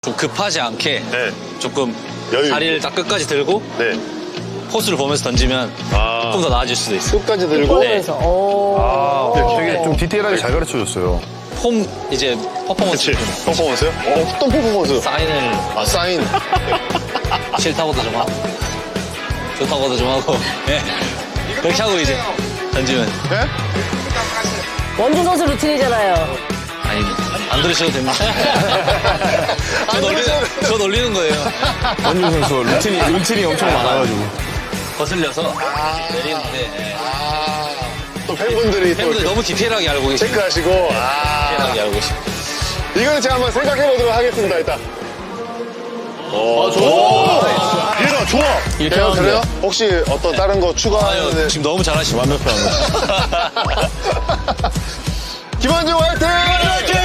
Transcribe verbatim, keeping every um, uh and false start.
좀 급하지 않게 네. 조금 여유 다리를 있게. 딱 끝까지 들고 네. 코스를 보면서 던지면 아. 조금 더 나아질 수도 있어요. 끝까지 들고. 보면서. 오. 아, 되게 좀 디테일하게 잘 가르쳐줬어요. 폼 이제 퍼포먼스 그치. 퍼포먼스요? 어, 어떤 퍼포먼스? 사인을 아, 사인. 싫다고도 좀 하고 좋다고도 좀 하고 네. 그렇게 하고 이제 던지면 네? 원준 선수 루틴이잖아요. 아니 안 들으셔도 됩니다. 저 놀리는, 저 놀리는 거예요. 원준 선수 루틴이, 루틴이 엄청 많아가지고. 거슬려서 내리는데 네. 아, 또 팬분들이 또 팬분들 이렇게 너무 디테일하게 알고 계시고 체크하시고. 아. 디테일하게 알고 계시고 이거는 제가 한번 생각해보도록 하겠습니다, 일단. 오, 좋아. 얘가 좋아. 이렇게 그래요? 하면 그래요? 돼요. 혹시 어떤 다른 거 아유, 추가하는. 지금 너무 잘하시고 완벽한. 김원중 화이팅! 화이팅!